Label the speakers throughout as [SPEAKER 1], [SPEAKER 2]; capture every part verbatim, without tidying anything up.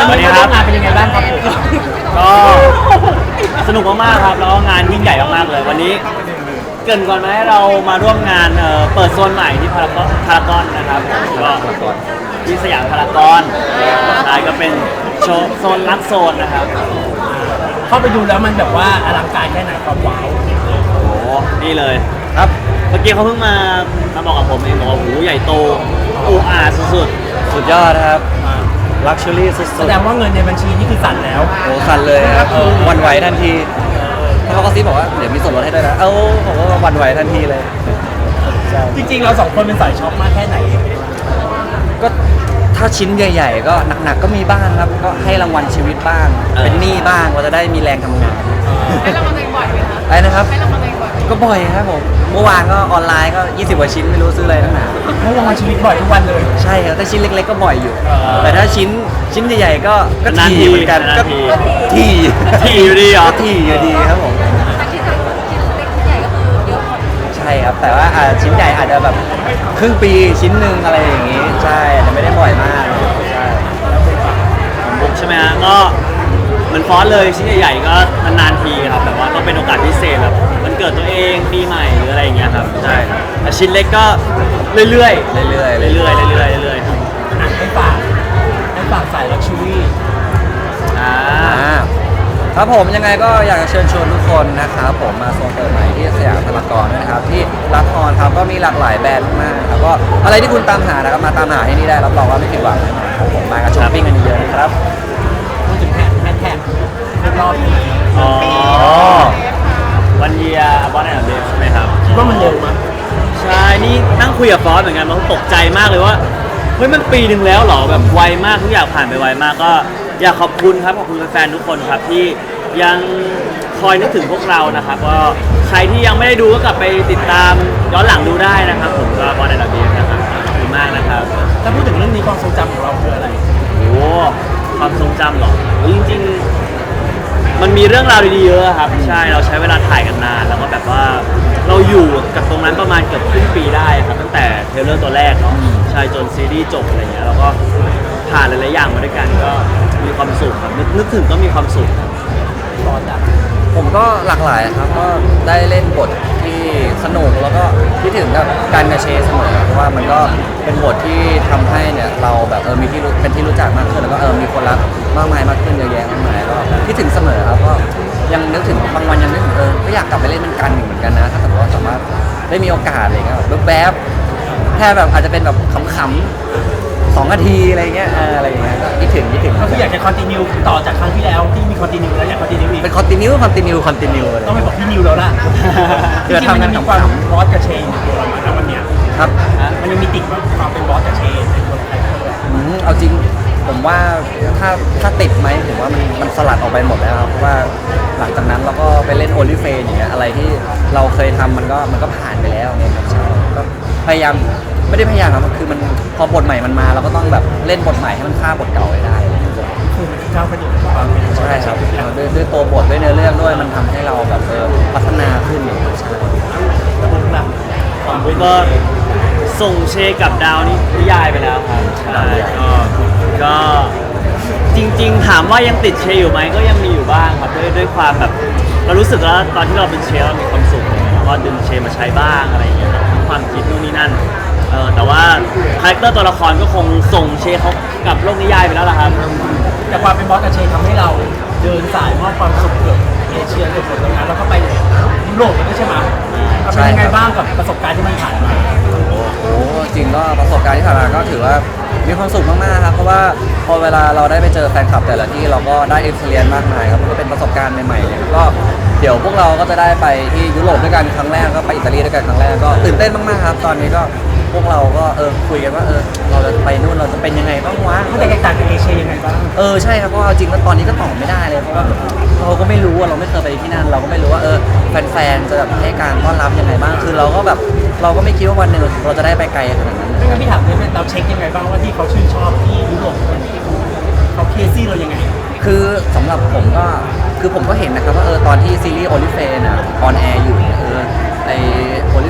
[SPEAKER 1] วันนี้ครับงานเป็นยังไงบ้างครับก็สนุกมากๆครับแล้วก็งานยิ่งใหญ่มากๆเลยวันนี้เกินก่อนไหมเรามาร่วมงานเปิดโซนใหม่ที่พารากอนพารากอนนะครับก็ที่สยามพารากอนใช่ก็เป็นโชว์โซนลักโซนนะครับ
[SPEAKER 2] เข้าไปดูแล้วมันแบบว่าอลังการแค่ไหนความว้าว
[SPEAKER 1] โอ้โหนี่เลยครับเมื่อกี้เขาเพิ่งมามาบอกกับผมเองบอกว่าโอ้โหใหญ่โตอูอาสุดๆสุดยอดครับลักชัวรี่สุดๆ
[SPEAKER 2] แสดงว่าเงินในบัญชีนี่คือสั่นแล้ว
[SPEAKER 1] โอ้สั่นเลยครับวันไหวทันทีเขาก็ซีบอกว่าเดี๋ยวมีส่วนลดให้ด้วยนะเอ้าผมก็วันไหวทันทีเลย
[SPEAKER 2] จริงๆเราสองคนเป็นสายช็อปมากแค่ไหน
[SPEAKER 1] ก็ถ้าชิ้นใหญ่ๆก็หนักๆก็มีบ้างครับก็ให้รางวัลชีวิตบ้างเป็นหนี้บ้างเราจะได้มีแรงทำงาน
[SPEAKER 3] ให้รางวัลตัวเองบ่อยไหมคะ
[SPEAKER 1] อะไรนะครับ
[SPEAKER 3] ให้รางวัลตัวเองบ่อย
[SPEAKER 1] ก็บ่อยครับผมเมื่อวานก็ออนไลน์ก็ยี่สิบกว่าชิ้นไม่รู้ซื้ออะไรตั้งนาน
[SPEAKER 2] ให้รางวัลชีวิตบ่อยทุกวันเลย
[SPEAKER 1] ใช่ครับถ้าชิ้นเล็กๆก็บ่อยอยู่แต่ถ้าชิ้นชิ้นใหญ่ๆก็ก็ทีเหมือนกันก็ทีทีอยู่ดีเหรอทีอยู่ดีครับผม
[SPEAKER 3] ชิ้นเล็กชิ้นใหญ่ก็คือเยอะหมด
[SPEAKER 1] ใช่ครับแต่ว่าชิ้นใหญ่อาจจะแบบครึ่งปีชิ้นหนึ่งอะไรอย่างงี้ใช่อาจจะไม่ได้บ่อยมากใช่บุ๊กใช่ไหมฮะก็เหมือนฟอนเลยชิ้นใหญ่ๆก็นานๆทีครับแต่ว่าก็เป็นโอกาสพิเศษแบบมันเกิดตัวเองปีใหม่หรืออะไรอย่างเงี้ยครับใช่แต่ชิ้นเล็กก็เรื่อยๆเรื่อยๆเรื่อยๆเรื่อยๆเรื่อยๆ
[SPEAKER 2] ครับให้ฝากให้ฝากสายลักชัวรี่
[SPEAKER 1] อ่าครับผมยังไงก็อยากจะเชิญชวนทุกคนนะครับผมมาโซนเปิดใหม่ที่สยามพารากอนนะครับที่รักออนครับก็มีหลากหลายแบรนด์มากครับก็อะไรที่คุณตามหานะครับมาตามหาที่นี่ได้รับรองว่าไม่ผิดหวังแน่นอนครับผมมากับช้อปปิ้งกันเยอะๆนะครับ
[SPEAKER 2] พูดถึงแท็กแฮชแท็กรอบนี้
[SPEAKER 1] อ๋อวันเยียร์บอสแอนด์เดฟใช่ไหมครับ
[SPEAKER 2] คิดว่ามันเร็วมั้ย
[SPEAKER 1] ใช่นี่นั่งคุยกับฟอสเหมือนกันมันตกใจมากเลยว่าเฮ้ยมันปีหนึ่งแล้วเหรอแบบไวมากทุกอย่างผ่านไปไวมากก็อยากขอบคุณครับขอบคุณแฟนๆทุกคนครับที่ยังคอยนึกถึงพวกเรานะครับก็ใครที่ยังไม่ได้ดูก็กลับไปติดตามย้อนหลังดูได้นะครับผมก็บอลในระเบียบนะครับขอบคุณมากนะครับ
[SPEAKER 2] ถ้าพูดถึงเรื่องนี้ความทรงจำของเราคืออะไร
[SPEAKER 1] โอ้ความทรงจำหรอจริงๆมันมีเรื่องราวดีๆเยอะครับใช่เราใช้เวลาถ่ายกันนานแล้วก็แบบว่าเราอยู่กับตรงนั้นประมาณเกือบครึ่งปีได้ครับตั้งแต่เทรลเลอร์ตัวแรกเนาะใช่จนซีรีส์จบอะไรเงี้ยแล้วก็ผ่านหลายๆอย่างมาด้วยกันก็มีความสุขครับนึกถึงก็มีความสุข
[SPEAKER 2] ตอนดับ
[SPEAKER 1] ผมก็หลากหลายครับก็ได้เล่นบทที่สนุกแล้วก็คิดถึงกับการกระเชเสมอเพราะว่ามันก็เป็นบทที่ทำให้เนี่ยเราแบบเออมีที่เป็นที่รู้จักมากขึ้นแล้วก็เออมีคนรักมากมายมากขึ้นเยอะแยะมากมายก็คิดถึงเสมอครับก็ยังนึกถึงบางวันยังนึกถึงเออก็อยากกลับไปเล่นเป็นกันหนึ่งเหมือนกันนะถ้าสมมติว่าสามารถได้มีโอกาสอะไรเงี้ยแบบแบบแค่แบบอาจจะเป็นแบบขำๆสองนาทีอะไรเงี้ยอะไรเงี้ยก็คิดถึงคิดถึง
[SPEAKER 2] ก็คืออยากจะคอนติเนียต่อจากครั้งที่แล้วที่มีคอนติเนียแล้วอยากคอนติเนียอีก
[SPEAKER 1] เป็นคอนติเนียคอนติเนียคอนติเนียเลย
[SPEAKER 2] ต้องไปบอกพี่นิวแล้วล่ะจริงๆมันมีความบอสกับเชนอยู่ประมาณนั้นวันเนี้ย
[SPEAKER 1] ครับ
[SPEAKER 2] มันยังมีติดว่าความเป็นบอสกับเชนในตัวคาแรคเตอร์
[SPEAKER 1] อืมเอาจริงผมว่าถ้าถ้าติดไหมผมว่ามันมันสลัดออกไปหมดแล้วครับเพราะว่าหลังจากนั้นเราก็ไปเล่นโอลิเฟนอย่างเงี้ยอะไรที่เราเคยทำมันก็มันก็ผ่านไปแล้วเนี่ยครับใช่ก็พยายามไม่ได้พยายามครับคือมันพอบทใหม่มันมาเราก็ต้องแบบเล่นบทใหม่ให้มันฆ่าบทเก่าไว้ได้
[SPEAKER 2] คือมันก้าวกระโดดความเป็น
[SPEAKER 1] ใช่ครับด้วยด้วยตัวบทด้วยเนื้อเรื่องด้วยมันทำให้เราแบบเออพัฒนาขึ้นอย่างเงี้ยใช่
[SPEAKER 2] แล้วพวกเรา
[SPEAKER 1] ผมก็ส่งเชกับดาวนี่นิยายไปแล้วครับใช่ก็ก็จริงๆถามว่ายังติดเชอยู่ไหมก็ยังมีอยู่บ้างครับด้วยด้วยความแบบเรารู้สึกแล้วตอนที่เราเป็นเชเรามีความสุขแล้วก็ดึงเชมาใช้บ้างอะไรอย่างเงี้ยความคิดนู่นนี่นั่นเออแต่ว่าคาแรคเตอร์ตัวละครก็คงส่งเชเขากับโลกนิยายไปแล้วล่ะครับ
[SPEAKER 2] แต่ความเป็นบอสกับเชทำให้เราเดินสายมอบความสุขเกือบเอเชียเกือบหมดตรงนั้นแล้วก็ไปยุโรปด้วยใช่ไหมเป็นยังไงบ้างกับประสบการณ์ที่มันผ่านมา
[SPEAKER 1] โอ้จริงก็ประสบการณ์ที่ผ่านมาก็ถือว่ามีความสุขมากๆครับเพราะว่าพอเวลาเราได้ไปเจอแฟนคลับแต่ละที่เราก็ได้เอ็กซ์เพรียนมากมายครับก็เป็นประสบการณ์ใหม่ๆเนี่ยก็เดี๋ยวพวกเราก็จะได้ไปที่ยุโรปด้วยกันครั้งแรกก็ไปอิตาลีด้วยกันครั้งแรกก็ตื่นเต้นมากๆครับตอนนี้ก็พวกเราก็เออคุยกันว่าเออเราจะไปนู่นเราจะเป็นยังไงบ้างวะ
[SPEAKER 2] มันแตกต่างจากเอเชียยังไงบ้าง
[SPEAKER 1] เออใช่ครับเพราะเอาจริงแล้วตอนนี้ก็ตอบไม่ได้เลยเพราะว่าเราก็ไม่รู้ว่าเราไม่เคยไปที่นั่นเราก็ไม่รู้ว่าเออแฟนๆจะแบบให้การต้อนรับยังไงบ้างคือเราก็แบบเราก็ไม่คิดว่าวันหนึ่งเราจะได้ไปไกลขนาดนั้น
[SPEAKER 2] ไม่งั้นพี่ถามเลยเราเช็คยังไงบ้างว่าที่เขาชื่นชอบที่ยุโรปเขาเคซี่เรายังไง
[SPEAKER 1] คือสำหรับผมก็คือผมก็เห็นนะครับว่าเออตอนที่ซีรีส์โอลิเฟนอ่ะออนแอร์อยู่เนี่ยเออไอโอลิเฟนของเรา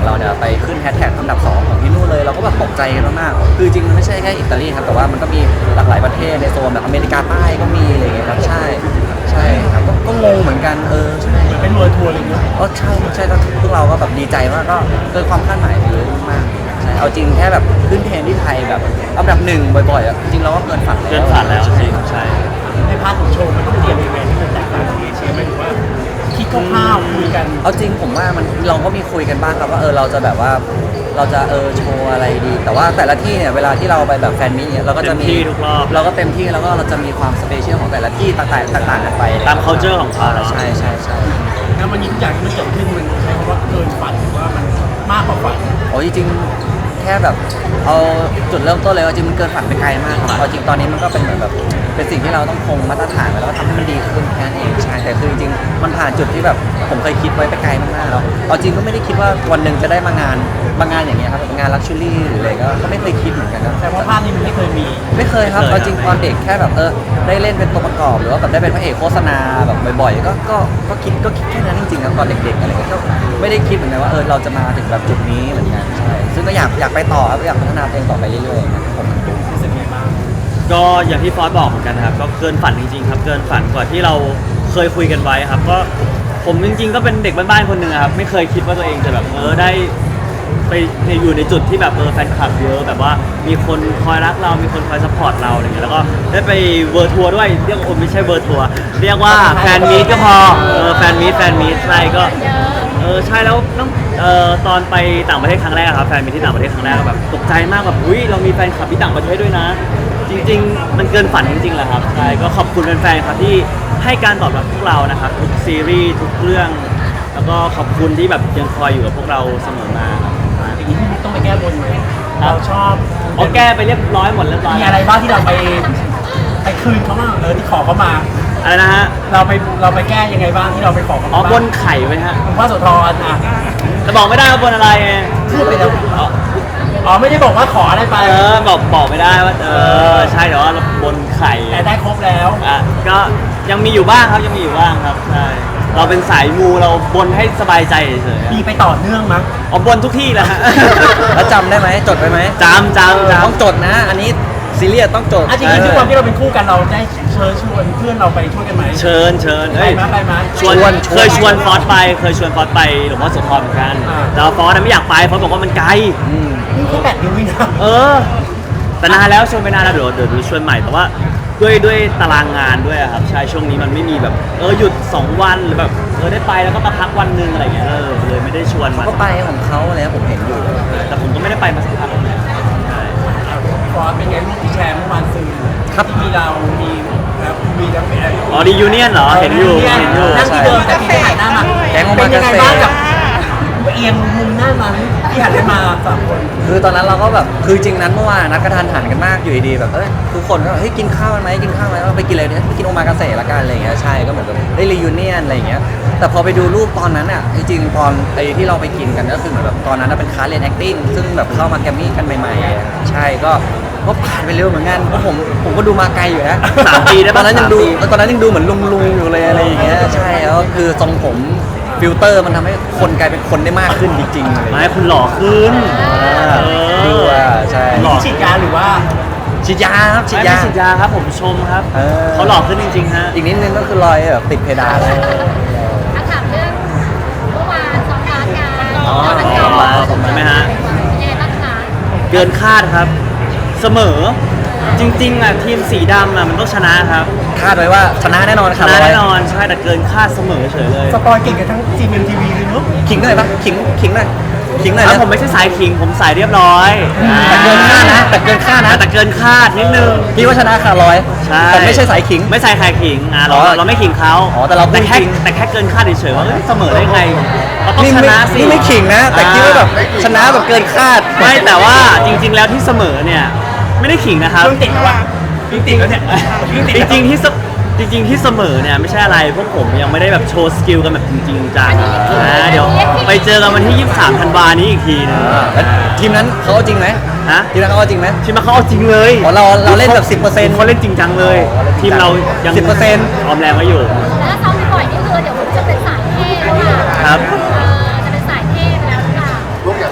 [SPEAKER 1] เราเนี่ยไปขึ้นแฮชแท็กอันดับสองของที่นู่นเลยเราก็แบบตกใจกันมากๆคือจริงๆมันไม่ใช่แค่อิตาลีครับแต่ว่ามันก็มีหลากหลายประเทศในโซนแบบอเมริกาใต้ก็มีอะไรอย่างเงี้ยครับใช่ใช่ครับก็ก็งงเหมือนกันเออใช่
[SPEAKER 2] เหมือนเป็นเวอร์ทัวร์อะไรอย่างเงี้ย
[SPEAKER 1] ก็ใช่ใช่ก็พวกเราก็แบบดีใจมากก็เกินความคาดหมายไปเยอะมากใช่เอาจริงแค่แบบขึ้นเทรนด์ที่ไทยแบบอันดับหนึ่งบ่อยๆอ่ะจริงๆเราก็เกินฝันแล้ว
[SPEAKER 4] เกินฝันแล้วจริงใช่
[SPEAKER 2] ในพาร์ทของโชว์มันต้องเตรียมยังไงที่มันแตกต่างจากเอเชียไหมหรือว่าคิดคร่าวๆคุยกัน
[SPEAKER 1] เอาจริงผมว่ามันเราก็มีคุยกันบ้างครับว่าเออเราจะแบบว่าเราจะเออโชว์อะไรดี แต่ว่าแต่ละที่เนี่ยเวลาที่เราไปแบบแฟนมิตเนี่ยเราก็จะมี
[SPEAKER 4] เต็มที่ทุกรอบ
[SPEAKER 1] เราก็เต็มที่แล้วก็เราจะมีความสเปเชียลของแต่ละที่ต่างๆต่างๆกันไป
[SPEAKER 4] ตาม culture ของเขา
[SPEAKER 1] ใช่ใช่ใช่
[SPEAKER 2] แล้วมันทุกอย่างที่มันเกิดขึ้นมันใช้คำว่าเกินฝันหรือว่ามันมากกว่าฝัน
[SPEAKER 1] โอ้ยจริงๆแค่แบบเอาจุดเริ่มต้นเลยว่าจริงมันเกินฝันไปไกลมากครับเอาจริงตอนนี้มันก็เป็นเหมือนแบบเป็นสิ่งที่เราต้องคงมาตรฐานไว้แล้วก็ทำให้มันดีขึ้นแค่นั้นเองใช่แต่คือจริงๆมันผ่านจุดที่แบบผมเคยคิดไว้ไปไกลมากๆแล้วเอาจริงก็ไม่ได้คิดว่าวันหนึ่งจะได้มางานมางานอย่างเงี้ยครับงานลักชัวรี่หรืออะไรก็ก็ไม่เคยคิดเหมือนกันครับ
[SPEAKER 2] แต่ว่าภาพนี้มันไม่เคยมี
[SPEAKER 1] ไม่เคยครับเอาจริงตอนเด็กแค่แบบเออได้เล่นเป็นตัวประกอบหรือว่าแบบได้เป็นพระเอกโฆษณาแบบบ่อยๆก็ก็ก็คิดก็คิดแค่นั้นจริงๆครับตอนเด็กๆอะไรก็ไม่ได้คิดเหมือนกันว่าเออเราจะมาถึงแบบจุดนี้เหมือนกันใช่ซึ่งก็อยากอยากไปต่อครับอยากพัฒนาตัวเองต่อไปเรื่อยๆนะครับผม
[SPEAKER 2] รู้สึกไงบ้าง
[SPEAKER 4] ก็อย่างที่ฟอสบอกเหมือนกันนะครับก็เกินฝันจริงๆครับเกินฝันกว่าที่เราเคยคุยกันไว้ครับก็ผมจริงๆก็เป็นเด็กบ้านๆคนหนึ่งอะครับไม่เคยคิดว่าตัวเองจะแบบเออได้ไปอยู่ในจุดที่แบบเออแฟนคลับเยอะแบบว่ามีคนคอยรักเรามีคนคอยซัพพอร์ตเราอะไรเงี้ยแล้วก็ได้ไปเวอร์ทัวร์ด้วยเรียกว่าไม่ใช่เวอร์ทัวร์เรียกว่าแฟนมีตก็พอเออแฟนมีตแฟนมีตใช่ก็เออใช่แล้วต้องเอ่อตอนไปต่างประเทศครั้งแรกอะครับแฟนมีตที่ต่างประเทศครั้งแรกก็แบบตกใจมากแบบอุ้ยเรามีแฟนคลับที่ต่างประเทศด้วยนะ จริงๆ มันเกินฝันจริงๆแหละครับ ใช่ ก็ขอบคุณแฟนๆ ครับที่ให้การตอบรับพวกเรานะครับทุกซีรีส์ทุกเรื่อง แล้วก็ขอบคุณที่แบบยังคอยอยู่กับพวกเราเสมอมาครับ
[SPEAKER 2] อย่างนี้พี่ต้องไปแก้บนไหมเราชอบ
[SPEAKER 4] โอแก้ไปเรียบร้อยหมดเรียบร้อย
[SPEAKER 2] มีอะไรบ้างที่เราไปไปคืนเขาบ้างเออที่ขอเขามา
[SPEAKER 4] อะไรนะฮะ
[SPEAKER 2] เราไปเราไปแก้ยังไงบ้างที่เราไปขอเขา
[SPEAKER 4] อ๋อ
[SPEAKER 2] มา
[SPEAKER 4] บนไข่ไว้ฮะ
[SPEAKER 2] คุณพ่อโสธรอ่ะ
[SPEAKER 4] แต่บอกไม่ได้ว่าบนอะไรไง
[SPEAKER 2] พูดไปแล้วอ๋อไม่ได้บอกว่าขออะไรไป
[SPEAKER 4] เออ บอกบอกไม่ได้ว่า เออ ใช่แต่ว่าบนไข่
[SPEAKER 2] แต่ได้ครบแล้ว
[SPEAKER 4] อ่ะก็ยังมีอยู่บ้างครับ ยังมีอยู่บ้างครับ ใช่ เราเป็นสายมูเราบนให้สบายใจเฉยๆ
[SPEAKER 2] มีไปต่อเนื่องมั้ง
[SPEAKER 4] อ๋อบนทุกที่แหละฮะ
[SPEAKER 1] แล้วจำได้ไหมจดไว้ไหม
[SPEAKER 4] จำจำจำ
[SPEAKER 1] ต้องจดนะ อันนี้ซีเรียสต้องจด
[SPEAKER 2] อ่ะจริงๆด้วยความที่เราเป็นคู่กันเราได้เชิญชวนเพื่อนเราไปช่วยกันไหม
[SPEAKER 4] เชิญเชิญ
[SPEAKER 2] ไป
[SPEAKER 4] เฮ้ย
[SPEAKER 2] ไหมไปไหม
[SPEAKER 4] ชวน
[SPEAKER 1] ชวน
[SPEAKER 4] เคยชวนฟอสไป เคยชวนฟอสไปหลวงพ่อโสธรเหมือนกัน
[SPEAKER 2] อ่า
[SPEAKER 4] แต่ว่าฟอสน่ะไม่อยากไปฟอสบอกว่ามันไกล
[SPEAKER 1] อืม
[SPEAKER 2] นี่แค่แปดเดือนเองนะ
[SPEAKER 4] เออ แต่นานแล้วชวนไปนานแล้วเดี๋ยวเดี๋ยวดูชวนใหม่แต่ว่าด้วยด้วยตารางงานด้วยอะครับใช่ช่วงนี้มันไม่มีแบบเออหยุดสองวันหรือแบบเออได้ไปแล้วก็มาพักวันหนึงอะไรเงี้ยเออเลยไม่ได้ชวนมา
[SPEAKER 1] ก็ไปของเขาอะไรนะผมเห็นอยู่
[SPEAKER 4] แต่ผมก็ไม่ได้ไปมาสักพักแล้วเนี่ยใช่
[SPEAKER 2] ฟอสเป็นไงลูกที่แชร์เมื่อวานซื้อ
[SPEAKER 1] ครับ
[SPEAKER 2] ที่มีเรา มีแล้วมีแล้วเป็นอะไร
[SPEAKER 4] อ๋อดียูเนียนเหรอเห็นอยู่เห็นอยู่
[SPEAKER 2] นั่งที่เดิมแต่พี่หันหน้ามา
[SPEAKER 1] แก๊งโอ
[SPEAKER 2] เป็
[SPEAKER 1] มาน
[SPEAKER 2] ยังไง
[SPEAKER 1] เกษตร
[SPEAKER 2] บ้างกับเอียงมุมหน้านั้นที่หันไปมาสามคน
[SPEAKER 1] คือตอนนั้นเราก็แบบคือจริงนั้นเมื่อวานนัดกระทันหันกันมากอยู่ดีๆแบบเอ้ยทุกคนก็เฮ้ยกินข้าวกันไหมกินข้าวไหมเราไปกินอะไรเนี่ยไปกินโอมากาเสะละกันอะไรอย่างเงี้ยใช่ก็เหมือนแบบได้รียูเนียนอะไรอย่างเงี้ยแต่พอไปดูรูปตอนนั้นอ่ะจริงๆตอนไอ้ที่เราไปกินกันก็คือเหมือนแบบตอนนั้นน่ะเป็นคลาสเรียน acting ซึ่งแบบเข้ามาแกรมมี่กันใหม่ๆใช่ก็ก็ผ่านไปเร็วเหมือนกันเพราะผมผมก็ดูมาไกลอยู่นะ
[SPEAKER 4] สามปีได้
[SPEAKER 1] ต
[SPEAKER 4] ปะ
[SPEAKER 1] อนนั้นยังดู
[SPEAKER 4] สามปี
[SPEAKER 1] ตอนนั้นยังดูเหมือนลุงลุงๆอยู่เลยอะไรอย่างเงี้ยใช่แล้วคือทรงผมฟิลเตอร์มันทำให้คนกลายเป็นคนได้มากขึ้นจริงๆอะไรอย่าง
[SPEAKER 4] ไม่
[SPEAKER 1] เงี้ย
[SPEAKER 4] คุณหล่อขึ้น
[SPEAKER 1] อ่า
[SPEAKER 4] เออ
[SPEAKER 1] ดูอ่ะใช่
[SPEAKER 4] หล่อ
[SPEAKER 2] ฉีดยาหรือว่า
[SPEAKER 1] ฉีดยาครับฉีด
[SPEAKER 4] ไม่
[SPEAKER 1] ยา
[SPEAKER 4] ไม่ฉีดยาครับผมชมครับ
[SPEAKER 1] เออ
[SPEAKER 4] เขาหล่อขึ้นจริงๆฮะ
[SPEAKER 1] อีกนิดนึงก็คือรอยแบบติดเพดานแล้ว
[SPEAKER 3] ถ้าถามเรื่องเมื่อวานซ้อมบาสกัน
[SPEAKER 4] อ๋อ
[SPEAKER 3] แล้วมัน
[SPEAKER 4] ซ้อมบาสใช่ไหมฮะ
[SPEAKER 3] ยังไงบ้างคะ
[SPEAKER 4] เกินคาดครับ เสมอ จริงๆอ่ะทีมสีดำอ่ะมันต้องชนะครับ
[SPEAKER 1] คาดไว้ว่าชนะแน่นอน
[SPEAKER 4] ช
[SPEAKER 1] ครับ
[SPEAKER 4] นะแน่นอนใช่แต่เกินคาดเสมอเฉยเลย
[SPEAKER 2] สปอยเก่งกันทั้งจีเอ็มทีวีเลยเนอะ
[SPEAKER 1] ขิงหน่อยปะขิงขิงหน่อยขิงหน่อย
[SPEAKER 4] แล้ว
[SPEAKER 1] นะ
[SPEAKER 4] ผมไม่ใช่สายขิงผมสายเรียบร้อย
[SPEAKER 1] แต่เกินคาดนะแต่เกินคาดนะ
[SPEAKER 4] แต่เกินคาดนิดนึง
[SPEAKER 1] พี่ว่าชนะขาดร้อย
[SPEAKER 4] ใช่
[SPEAKER 1] แต่ไม่ใช่สายขิง
[SPEAKER 4] ไม่ใส่ใครขิงอ่ะเรา
[SPEAKER 1] อ๋อ
[SPEAKER 4] เราไม่ขิงเขา
[SPEAKER 1] อ๋อแต่เราพูด
[SPEAKER 4] แค่
[SPEAKER 1] จริง
[SPEAKER 4] แต่แค่เกินคาดเฉยๆว่าเอ้ยเสมอได้ไงเราต้อง
[SPEAKER 1] นี่
[SPEAKER 4] ช
[SPEAKER 1] ไม่
[SPEAKER 4] นะสิ
[SPEAKER 1] นี่ไม่ขิงนะ แต่คิดว่าแบบชนะแบบเกินคาด
[SPEAKER 4] ไม่แต่ว่าจริง ๆ แล้วที่เสมอเนี่ยไม่ได้ขิงนะครับ
[SPEAKER 2] เพิ่งติดแล้ววะเพิ่งติดแล้วเนี่ยเพิ่งติด
[SPEAKER 4] จ
[SPEAKER 2] แล้ว
[SPEAKER 4] ริงๆที่เสจริง ๆ ที่เสมอเนี่ยไม่ใช่อะไรพวกผมยังไม่ได้แบบโชว์สกิลกันแบบจริงๆจังนะเดี๋ยวไปเจอกันวันที่ยี่สิบสามธันวานี้อีกทีนึง
[SPEAKER 1] แล้วทีมนั้นเขาเอาจริงไหม
[SPEAKER 4] ฮะ
[SPEAKER 1] ทีมนั้นเขาเอาจริงไหม
[SPEAKER 4] ทีมมาเขาเอาจริงเลย
[SPEAKER 1] อ๋อเราเราเล่นแบบสิบเปอร์เซ็นต์
[SPEAKER 4] เขาเล่นจริงจังเลย
[SPEAKER 1] อ๋อเล่นจริ
[SPEAKER 4] ที
[SPEAKER 1] ง
[SPEAKER 4] ม
[SPEAKER 1] จัง
[SPEAKER 4] เรายัง
[SPEAKER 1] สิบเปอร์เซ็นต์
[SPEAKER 4] ออมแรงไว้อยู่
[SPEAKER 3] แล้วถ้าซ้อมบ่อยๆนี่คือเดี๋ยวผมจะเป็นสายเท่แล้วอ่ะ
[SPEAKER 4] ครับ
[SPEAKER 3] เออจะเป็นสายเท่ไปแล้วหรือเปล่า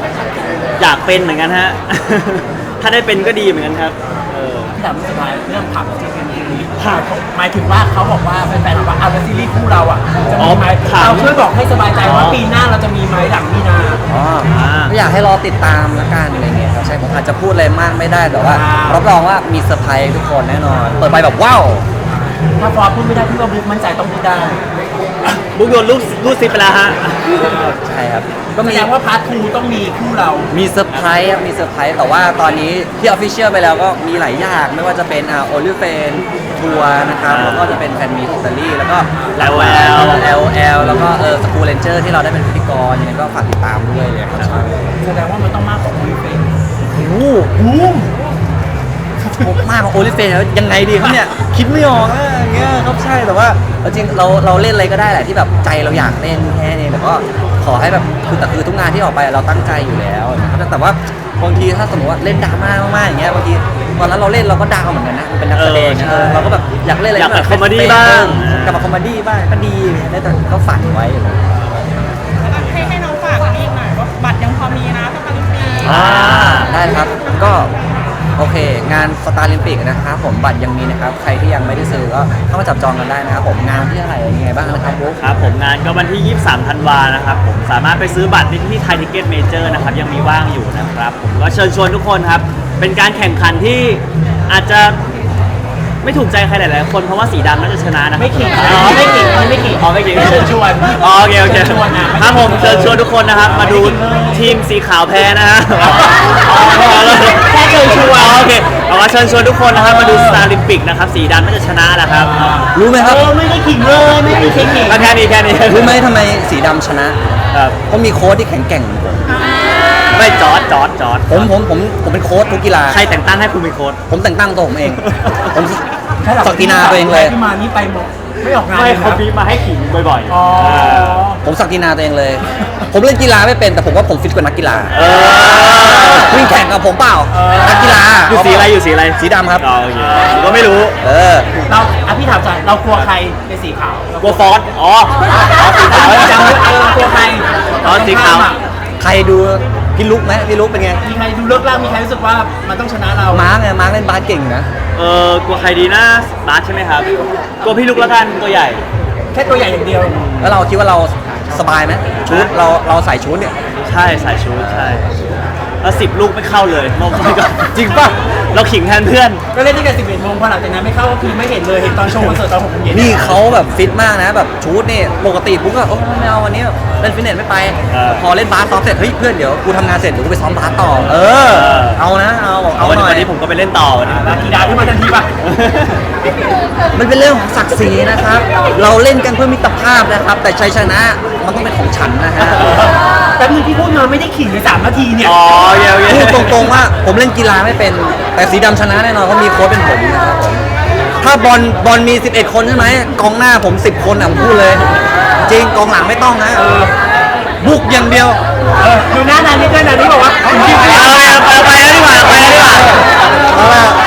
[SPEAKER 4] อยากเป็นเหมือนกันฮะ ถ้าได้เป็นก็ดีเหมือนกันครับเออ
[SPEAKER 2] ที่ถามสุดท้ายเรื่องผับจริงๆผับหมายถึงว่าเขาบอกว่าแฟนๆบอกว่าเอาแล้วซีรีส์คู่เราอ่ะจะมีไหมเราช่วยบอกให้สบายใจว่าปีหน้าเราจะมีไหมหลังมีนา
[SPEAKER 1] อ๋อก็อยากให้รอติดตามละกันอะไรเงี้ยครับใช่ผมอาจจะพูดอะไรมากไม่ได้แต่ว่ารับรองว่ามีเซอร์ไพรส์ทุกคนแน่นอนเปิดไปแบบว้าว
[SPEAKER 2] ถ้าฟอร์พูดไม่ได้พี่ว่าบุ๊กมั่นใจต้องพูดได้
[SPEAKER 4] บุ๊กโยนลูกลูกซิปไปแล้วฮะ
[SPEAKER 1] ใช่ครับก็
[SPEAKER 2] แส
[SPEAKER 1] มี
[SPEAKER 2] ดงว่าพาร์ททูต้องมีคู่เรา
[SPEAKER 1] มีเซอร์ไพรส์ครับมีเซอร์ไพรส์แต่ว่าตอนนี้ที่ออฟฟิเชียลไปแล้วก็มีหลายอย่างไม่ว่าจะเป็นอ่าโอลิเฟนทัวร์นะครับ
[SPEAKER 4] อ่า
[SPEAKER 1] แล้วก็จะเป็นแฟนมีที่อิตาลีแล้วก็
[SPEAKER 4] แอล แอล
[SPEAKER 1] แอลแอลแล้วก็เออสกูเลนเจอร์ที่เราได้เป็นพิธีกรยังไงก็ฝากติดตามด้วยเลยครับ
[SPEAKER 2] แสดงว่ามันต้องมากกว่าคุยเฟน
[SPEAKER 1] โอ้โห
[SPEAKER 2] บูม
[SPEAKER 1] มากกว่าโอลิเฟนแล้วยังไงดีครับเนี่ยคิดไม่ออกอะอย่างเงี้ยครับใช่แต่ว่าเอาจริงเราเราเล่นอะไรก็ได้แหละที่แบบใจเราอยากเล่นแค่นี้แต่ก็ขอให้แบบคือแต่คือทุกงานที่ออกไปเราตั้งใจอยู่แล้วนะครับแต่ว่าบางทีถ้าสมมติว่าเล่นดราม่ามากๆอย่างเงี้ยบางทีตอนนั้นเราเล่นเราก็ดาวเหมือนกันนะมันเป็นนักแสดง
[SPEAKER 4] เออใช่
[SPEAKER 1] เออเราก็แบบอยากเล่นอะไร
[SPEAKER 4] อยากแบบ
[SPEAKER 1] ที่
[SPEAKER 4] คอมเมดี้บ้าง
[SPEAKER 1] กลับมาคอมเมดี้บ้างก็ดีได้แต่ก็ฝันไว้
[SPEAKER 5] ให้ให้น้องฝากอันนี้อีกหน่อยว่าบัตรยังพอมีนะสตาร์ลิมปี
[SPEAKER 1] อ่าได้ครับก็โอเค งานสตาร์ลิมปิกนะครับผมบัตรยังมีนะครับใครที่ยังไม่ได้ซื้อก็เข้ามาจับจองกันได้นะครับผมงานที่เท่าไหร่ยังไงบ้างนะครับบุ๊ค
[SPEAKER 4] ครับผมงานก็วันที่ ยี่สิบสาม ธันวานะครับผมสามารถไปซื้อบัตรได้ที่ไทยทิเก็ตเมเจอร์นะครับยังมีว่างอยู่นะครับผมก็เชิญชวนทุกคนครับ เป็นการแข่งขันที่อาจจะไม่ถูกใจใครหลายๆคนเพราะว่าสีดำน่าจะชนะนะครับ
[SPEAKER 2] ไม่ขิง
[SPEAKER 4] อ๋อ
[SPEAKER 2] ไม่ขิงไม่ขิง
[SPEAKER 4] อ๋อไม่ขิง
[SPEAKER 2] เชิญชวน
[SPEAKER 4] อ๋อโอเคโอเค
[SPEAKER 2] เชิญชวนนะ
[SPEAKER 4] ครับผมเชิญชวนทุกคนนะครับมาดูทีมสีขาวแพ้นะฮะ
[SPEAKER 2] แค่เชิญชวน
[SPEAKER 4] อ๋อโอเคเอาว่าเชิญชวนทุกคนนะครับมาดูสตาร์ลิมปิกนะครับสีดำน่าจะชนะนะครับ
[SPEAKER 1] รู้ไหมครับ
[SPEAKER 2] เออไม่ได้ขิงเลยไม่ได้ขิงขิง
[SPEAKER 4] แค่นี้แค่นี้
[SPEAKER 1] รู้ไหมทำไมสีดำชนะครับ เพราะมีโค้ชที่แข็งแกร่งเหมือนผม
[SPEAKER 4] ไม่จอร์ดจอร์ดจอร์ด
[SPEAKER 1] ผมผมผมผมเป็นโค้ชทุกกีฬา
[SPEAKER 4] ใครแต่งตั้งให้คุณเป็นโค้ช
[SPEAKER 1] ผมแต่งตั้งตัวผมเอง ผม
[SPEAKER 2] แค่หลั
[SPEAKER 1] ศักดินาตัวเองเลย
[SPEAKER 2] ที่มานี่ไปหมดไม่ออกงาน
[SPEAKER 4] ไม่
[SPEAKER 2] เลย
[SPEAKER 4] เขา
[SPEAKER 2] นะ
[SPEAKER 4] บีบมาให้ขิงบ่อยๆ
[SPEAKER 2] อ๋อ
[SPEAKER 1] ผมศักดินาตัวเองเลย ผมเล่นกีฬาไม่เป็นแต่ผมว่าผมฟิตกว่านักกีฬา
[SPEAKER 4] เออ
[SPEAKER 1] วิ่งแข่งกับผมเปล่า
[SPEAKER 2] เออ
[SPEAKER 1] นักกีฬา
[SPEAKER 4] อยู่สีอะไรอยู่สีอะไร
[SPEAKER 1] สีดำครับ
[SPEAKER 4] อ๋อโอเคผมก็ไม่รู้
[SPEAKER 1] เออ
[SPEAKER 2] เราอ่ะพี่ถามจ่อยเรากลัวใครในสีขาว
[SPEAKER 4] กลัวฟอสอ๋ออ๋อสีขาว
[SPEAKER 2] จำไว้เออกลัวใคร
[SPEAKER 4] อ๋อสีขาว
[SPEAKER 1] ใครดูพี่ลุกไหมพี่ลุกเป็นไง
[SPEAKER 2] มีใครดูเลิกล่างมีใครรู้สึกว่ามันต้องชนะเรา
[SPEAKER 1] มาร์กไงมาร์กเล่นบาสเก่งนะ
[SPEAKER 4] เออกลัวใครดีนะบาสใช่ไหมครับกลัวพี่ลุกแล้วกันตัวใหญ่
[SPEAKER 2] แค่ตัวใหญ่อย่างเดียว
[SPEAKER 1] แล้วเราคิดว่าเราสบายไหมชุดเราเราใส่ชุดเนี่ย
[SPEAKER 4] ใช่สายชูใช่แล้วสิบลูกไม่เข้าเลยมองไปก็
[SPEAKER 1] จริงป่ะ
[SPEAKER 4] เราขิงแทนเพื่อน
[SPEAKER 2] ก็เล่นที่กันสิบเอ็ดโมงพอหลังจากนั้นไม่เข้าก็คือไม่เห็นเลยเห็นตอนโชว์คอนเสิร์ตตอนหกโมงเย็น
[SPEAKER 1] นี่เขาแบบฟิตมากนะแบบชุดนี่ปกติปุ๊กก็โอ้ไม่เอาวันนี้เล่นฟิตเนสไม่ไป
[SPEAKER 4] เออ
[SPEAKER 1] พอเล่นบาสซ้อมเสร็จเฮ้ยเพื่อนเดี๋ยวกูทำงานเสร็จเดี๋ยวกูไปซ้อมบาสต่อ เออ เอานะเอาบอกเอา
[SPEAKER 4] วัน
[SPEAKER 1] หน่อย
[SPEAKER 4] นี้ผมก็ไปเล่นต่อวันนี้
[SPEAKER 2] ลากีดาที่มาทันทีป่ะ
[SPEAKER 1] มันเป็นเรื่องของศักดิ์ศรีนะครับ เราเล่นกันเพื่อมิตรภาพนะครับ แต่ชัยชนะมันต้องเป็นของฉันนะฮะ
[SPEAKER 2] แต่มือที่พูดมาไม่ได้ขิงในสามนาทีเนี่ย
[SPEAKER 4] อ๋อโอเคโอเค
[SPEAKER 1] พูดตรงๆว่าผมเล่นกีฬาไม่เป็นแต่สีดำชนะแน่นอนเพราะมีโค้ชเป็นผมนะครับผมถ้าบอลบอลมีสิบเอ็ดคนใช่ไหมกองหน้าผมสิบคนอ่ะผมพูดเลย จริงกองหลังไม่ต้องนะบุกอย่างเดียว
[SPEAKER 2] เออดูหน้านานี่ด้วยนานี่บอกว่า
[SPEAKER 4] เอาไปเอาไปเอาไปแล้วดีกว่าเอาไปแล้วดีกว่า
[SPEAKER 1] เอาละ